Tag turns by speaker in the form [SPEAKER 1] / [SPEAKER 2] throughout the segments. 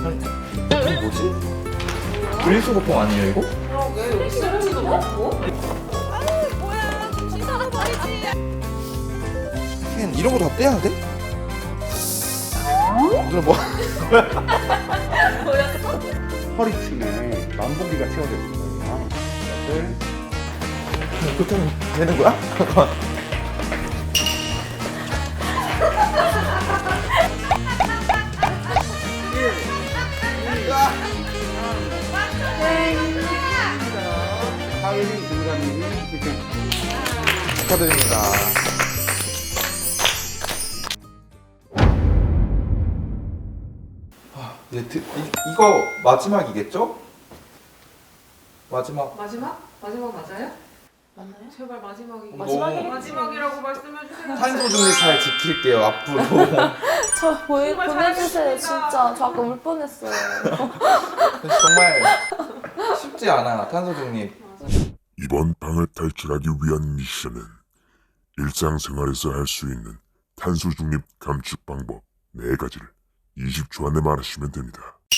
[SPEAKER 1] 이거 뭐지? 분리수거통 아니에요 이거?
[SPEAKER 2] 그러게 여기 쓰레기도 많고.
[SPEAKER 3] 뭐야 좀 씻어버리지.
[SPEAKER 1] 캔 이런 거 다 떼야 돼? 오늘 뭐?
[SPEAKER 3] 보였어?
[SPEAKER 4] 허리춤에 만보기가 채워져 있는 거예요. 이것을
[SPEAKER 1] 그렇게 하면 되는 거야? 잠깐만.
[SPEAKER 4] 하이린 김관님이 이렇게
[SPEAKER 1] 축하드립니다. 이거 마지막이겠죠? 마지막.
[SPEAKER 2] 마지막? 마지막 맞아요?
[SPEAKER 3] 맞나요?
[SPEAKER 2] 제발 마지막이.
[SPEAKER 1] 마지막이겠지.
[SPEAKER 2] 마지막이라고 말씀해 주세요.
[SPEAKER 1] 탄소 중립 잘 지킬게요 앞으로.
[SPEAKER 3] 저
[SPEAKER 2] 정말
[SPEAKER 3] 보내주세요
[SPEAKER 2] 잘하셨습니다.
[SPEAKER 3] 진짜. 저 아까 울 뻔했어요.
[SPEAKER 1] 정말 쉽지 않아 탄소 중립.
[SPEAKER 5] 이번 방을 탈출하기 위한 미션은 일상생활에서 할 수 있는 탄소 중립 감축 방법 4가지를 20초 안에 말하시면 됩니다.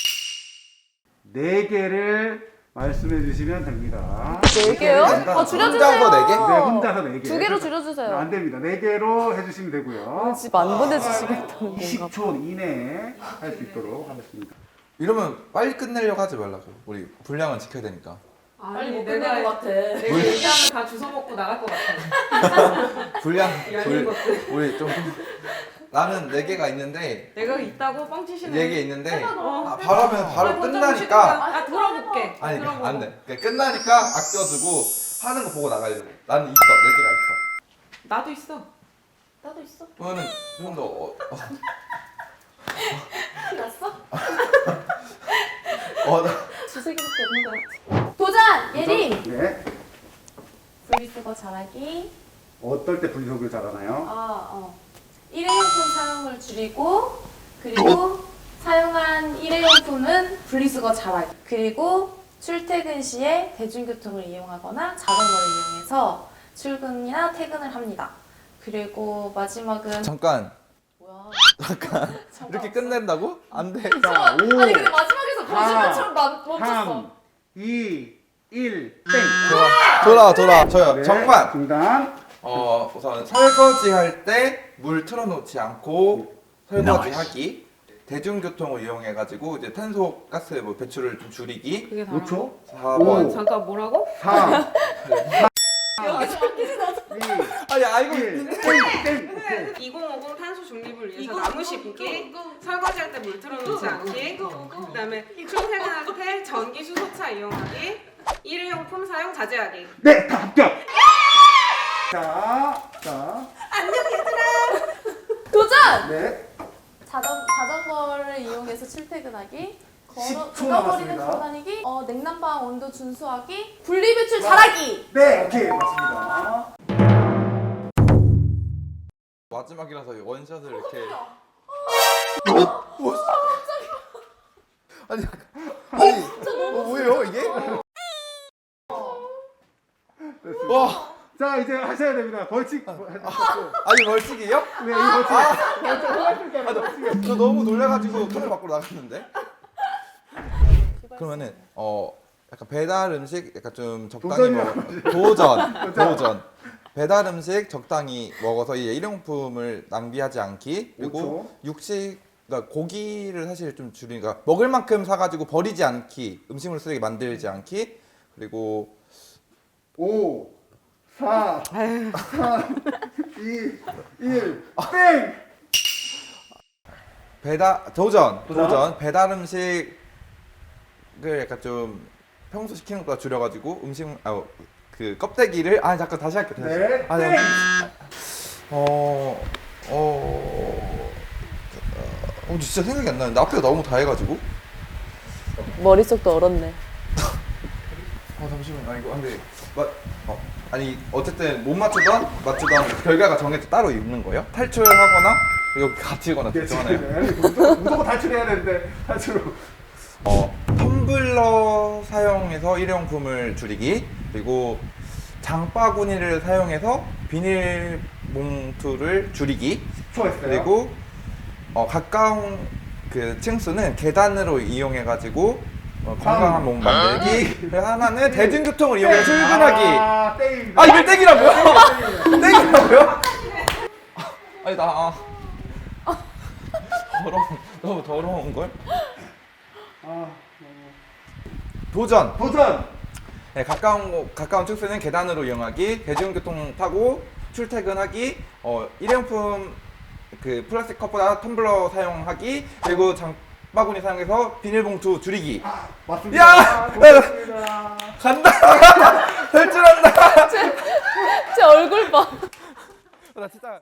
[SPEAKER 4] 4개를 말씀해 주시면 됩니다.
[SPEAKER 3] 4개요? 줄여주세요.
[SPEAKER 1] 혼자서 4개?
[SPEAKER 4] 네, 혼자서 4개.
[SPEAKER 3] 2개로 줄여주세요.
[SPEAKER 4] 안 됩니다. 4개로 해주시면 되고요.
[SPEAKER 3] 집 안 보내주시겠다는 건가?
[SPEAKER 4] 20초 이내에 할 수 있도록 하겠습니다.
[SPEAKER 1] 이러면 빨리 끝내려고 하지 말라고. 우리 분량은 지켜야 되니까.
[SPEAKER 2] 아니
[SPEAKER 3] 못 끝낼 것 같아.
[SPEAKER 2] 내가 얘기하면 다 주워 먹고 나갈 것 같아.
[SPEAKER 1] 분량
[SPEAKER 2] 야인 것들.
[SPEAKER 1] 우리 좀 나는 4개가 있는데
[SPEAKER 2] 내가 있다고 뻥치시네.
[SPEAKER 1] 4개 있는데
[SPEAKER 2] 어.
[SPEAKER 1] 바로 하면 바로 끝나니까
[SPEAKER 2] 아 들어볼게.
[SPEAKER 1] 아니
[SPEAKER 2] 들어보고.
[SPEAKER 1] 안 돼. 그러니까 끝나니까 아껴두고 하는 거 보고 나가려고. 나는 있어. 4개가 있어.
[SPEAKER 2] 나도 있어.
[SPEAKER 3] 나도 있어.
[SPEAKER 1] 그러면은 좀 더
[SPEAKER 3] 났어? 두세 개밖에 없는 것 같아. 도전! 예림!
[SPEAKER 4] 네.
[SPEAKER 3] 분리수거 잘하기.
[SPEAKER 4] 어떨 때 분리수거를 잘하나요?
[SPEAKER 3] 일회용품 사용을 줄이고, 그리고 사용한 일회용품은 분리수거 잘하기. 그리고 출퇴근 시에 대중교통을 이용하거나 자전거를 이용해서 출근이나 퇴근을 합니다. 그리고 마지막은
[SPEAKER 1] 잠깐
[SPEAKER 3] 뭐야?
[SPEAKER 1] 이렇게 끝낸다고? 안 돼.
[SPEAKER 4] 자, 5,
[SPEAKER 3] 아니 근데 마지막에서 거짓말처럼 멈췄어.
[SPEAKER 4] 3, 2, 1, 땡.
[SPEAKER 1] 돌아. 저요.
[SPEAKER 4] 네,
[SPEAKER 1] 정관.
[SPEAKER 4] 중단.
[SPEAKER 1] 우선 설거지 할 때 물 틀어놓지 않고 설거지 하기. 대중교통을 이용해가지고 이제 탄소 가스 뭐 배출을 좀 줄이기.
[SPEAKER 2] 그게 다.
[SPEAKER 4] 5초.
[SPEAKER 1] 4번.
[SPEAKER 2] 잠깐 뭐라고?
[SPEAKER 4] 4,
[SPEAKER 3] 여기서 바뀌지 나.
[SPEAKER 4] 2,
[SPEAKER 1] 아니 알고
[SPEAKER 4] 1,
[SPEAKER 1] 있는데.
[SPEAKER 4] 땡. 오케이.
[SPEAKER 2] 2050 탄소 중립을 위해서 나무 심기, 설거지할 때 물 틀어놓지 않기, 그다음에 출퇴근할 때 전기 수소차 이용하기, 일회용품 사용 자제하기.
[SPEAKER 4] 네, 다 합격. 자.
[SPEAKER 3] 도전!
[SPEAKER 4] 네.
[SPEAKER 3] 자전거를 이용해서 출퇴근하기.
[SPEAKER 4] 10초
[SPEAKER 3] 걸어버리는
[SPEAKER 4] 남았습니다.
[SPEAKER 3] 걸어다니기. 냉난방 온도 준수하기. 분리배출 잘하기.
[SPEAKER 4] 네, 오케이. 맞습니다.
[SPEAKER 1] 마지막이라서 원샷을 이렇게. 아니 뭐예요 이게?
[SPEAKER 4] 됐습니다.
[SPEAKER 1] 와
[SPEAKER 4] 자, 이제 하셔야 됩니다. 벌칙.
[SPEAKER 1] 아니 벌칙이요?
[SPEAKER 4] 네, 이 벌칙.
[SPEAKER 1] 저 너무 놀래가지고 카메라 밖으로 나갔는데. 그러면은 약간 배달 음식 약간 좀 적당히 도전. 배달 음식 적당히 먹어서 이 일용품을 낭비하지 않기. 그리고
[SPEAKER 4] 5초.
[SPEAKER 1] 육식 그러니까 고기를 사실 좀 줄이니까 먹을 만큼 사가지고 버리지 않기. 음식물 쓰레기 만들지 않기. 그리고
[SPEAKER 4] 5, 4, 3, 2, 1, 땡!
[SPEAKER 1] 도전. 배달 음식을 약간 좀 평소 시키는 것보다 줄여가지고 그 껍데기를 잠깐 다시 할게.
[SPEAKER 4] 네,
[SPEAKER 1] 네. 진짜 생각이 안 나는데 앞에가 너무 다 해가지고.
[SPEAKER 3] 머릿속도 얼었네.
[SPEAKER 1] 잠시만. 이거 근데 아니 어쨌든 못 맞추던 결과가 정해져 따로 있는 거예요? 탈출하거나 이거 갇히거나
[SPEAKER 4] 네,
[SPEAKER 1] 둘 중 하나요?
[SPEAKER 4] 무조건 탈출해야 되는데 탈출로.
[SPEAKER 1] 텀블러 사용해서 일회용품을 줄이기. 그리고 장바구니를 사용해서 비닐봉투를 줄이기.
[SPEAKER 4] 수고했어요.
[SPEAKER 1] 그리고 가까운 그 층수는 계단으로 이용해가지고 건강한 몸 만들기. 그리고 하나는 대중교통을 이용해 출근하기.
[SPEAKER 4] 아, 땡입니다.
[SPEAKER 1] 아 이걸 땡이라고요? 땡이라고요? 아니 나 너무 더러운 걸?
[SPEAKER 4] 아,
[SPEAKER 1] 도전.
[SPEAKER 4] 도전.
[SPEAKER 1] 네, 가까운 축소는 계단으로 이용하기, 대중교통 타고 출퇴근하기, 일회용품 그 플라스틱 컵보다 텀블러 사용하기, 그리고 장바구니 사용해서 비닐봉투 줄이기.
[SPEAKER 4] 맞습니다.
[SPEAKER 1] 야!
[SPEAKER 4] 고맙습니다.
[SPEAKER 1] 간다. 될 줄 안다.
[SPEAKER 3] 제 얼굴 봐.
[SPEAKER 1] 나 진짜.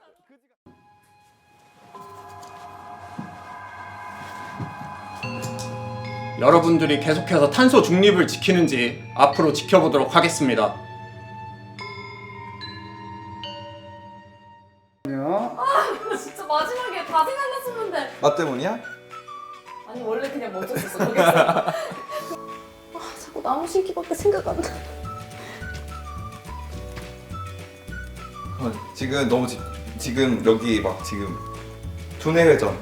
[SPEAKER 6] 여러분들이 계속해서 탄소 중립을 지키는지 앞으로 지켜보도록 하겠습니다.
[SPEAKER 3] 진짜 마지막에 다 생각났었는데.
[SPEAKER 1] 나 때문이야?
[SPEAKER 3] 아니 원래 그냥 멈췄었어 거기서. 아 자꾸 나무 심기밖에 생각 안 나.
[SPEAKER 1] 지금 너무 지금 여기 막 지금 두뇌 회전.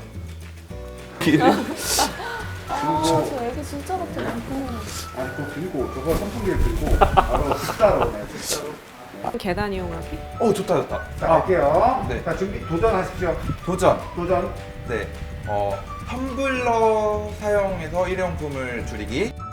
[SPEAKER 3] 저 애기 진짜 같아.
[SPEAKER 4] 아, 그거 들고 저거 선풍기를 들고 바로 식사로 네, 식사로.
[SPEAKER 2] 계단 이용하기.
[SPEAKER 1] 좋다.
[SPEAKER 4] 자, 갈게요.
[SPEAKER 1] 네.
[SPEAKER 4] 자, 준비 도전하십시오.
[SPEAKER 1] 도전.
[SPEAKER 4] 도전.
[SPEAKER 1] 네. 텀블러 사용해서 일회용품을 줄이기.